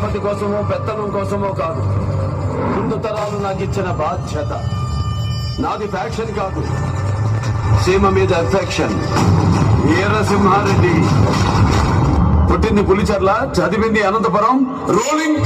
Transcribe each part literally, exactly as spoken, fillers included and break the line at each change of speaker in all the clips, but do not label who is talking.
పలుకుబడి కోసమో పెత్తనం కోసమో కాదు. ముందు తరాలు నాకు ఇచ్చిన బాధ్యత. నాది ఫ్యాక్షన్ కాదు, సీమ మీద ఎఫెక్షన్. వీరసింహారెడ్డి పుట్టింది పులిచర్ల, చదివింది అనంతపురం. రోలింగ్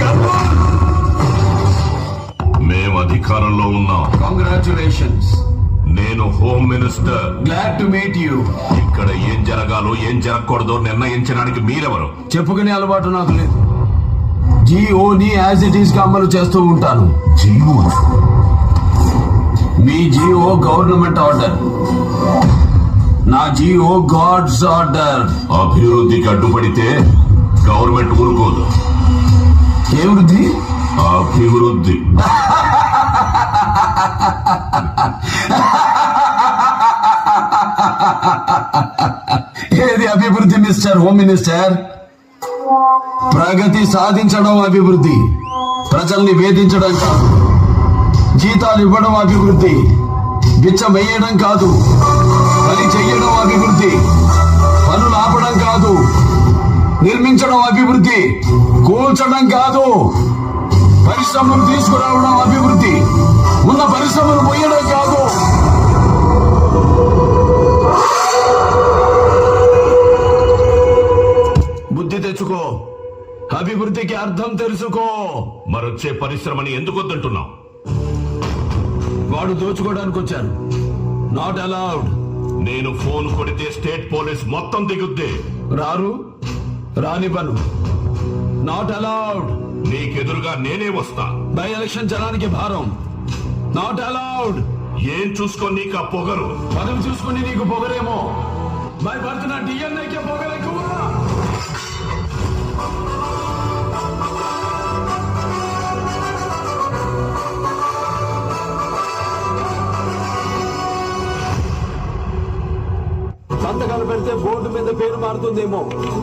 మేము అధికారంలో ఉన్నాం.
కంగ్రాచులేషన్స్.
నేను home minister.
Glad to meet you.
ఇక్కడ ఏం జరగాలో ఏం జరగకూడదో నిర్ణయించడానికి మీరెవరు?
చెప్పుకునే అలవాటు నాకు లేదు. జిఓని యాజ్ ఇట్ ఈస్ గా అమలు చేస్తూ ఉంటాను.
జీవో?
మీ జిఓ గవర్నమెంట్ ఆర్డర్, నా జిఓ గాడ్స్ ఆర్డర్.
అభివృద్ధికి అడ్డుపడితే గవర్నమెంట్ ఊరుకోదు.
ఏ వృద్ధి?
అభివృద్ధి.
ఏది అభివృద్ధి మిస్టర్ హోమ్ మినిస్టర్? ప్రగతి సాధించడం అభివృద్ధి, ప్రజల్ని వేధించడం కాదు. జీతాలు ఇవ్వడం అభివృద్ధి, బిచ్చం వేయడం కాదు. పని చెయ్యడం అభివృద్ధి, పనులు ఆపడం కాదు. నిర్మించడం అభివృద్ధి, కూల్చడం కాదు. పరిశ్రమలు తీసుకురావడం అభివృద్ధి, ఉన్న పరిశ్రమలు పోయడం కాదు. బుద్ధి తెచ్చుకో, అభివృద్ధికి అర్థం తెలుసుకో.
మరొచ్చే పరిశ్రమని ఎందుకు వద్దంటున్నావు?
వాడు దోచుకోవడానికి వచ్చారు. Not allowed.
నేను ఫోన్ కొడితే స్టేట్ పోలీస్ మొత్తం దిగుద్ది.
రారు, రానివ్వను. Not allowed.
నీకెదురుగా నేనే వస్తా.
బై ఎలక్షన్ జనానికి భారం. Not allowed.
ఏం చూసుకో నీకు ఆ పొగరు?
పదవి చూసుకుని నీకు పొగరేమో. బై బర్త్ నా డిఎన్ఏకే పొగరెక్కువ. సంతకాలు పెడితే బోర్డు మీద పేరు మారుతుందేమో,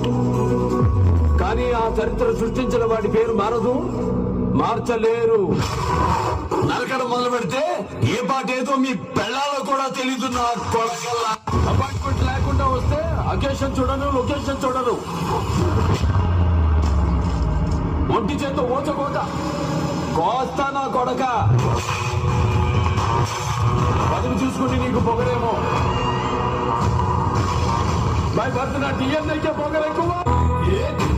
కానీ ఆ చరిత్ర సృష్టించిన వాడి పేరు మారదు, మార్చలేరు. నరకడం మొదలు పెడితే ఏ పాట ఏదో మీ పెళ్ళాలో కూడా తెలీదు. నా కొడకల్లా అపాయింట్మెంట్ లేకుండా వస్తే అకేషన్ చూడను, లొకేషన్ చూడను. ఒంటి చేత ఓచకోట కోస్తా నా కొడక. పదవి చూసుకుని నీకు పొగరేమో. బై బర్త్ నా డిఎన్ఏకే పొగరెక్కువ.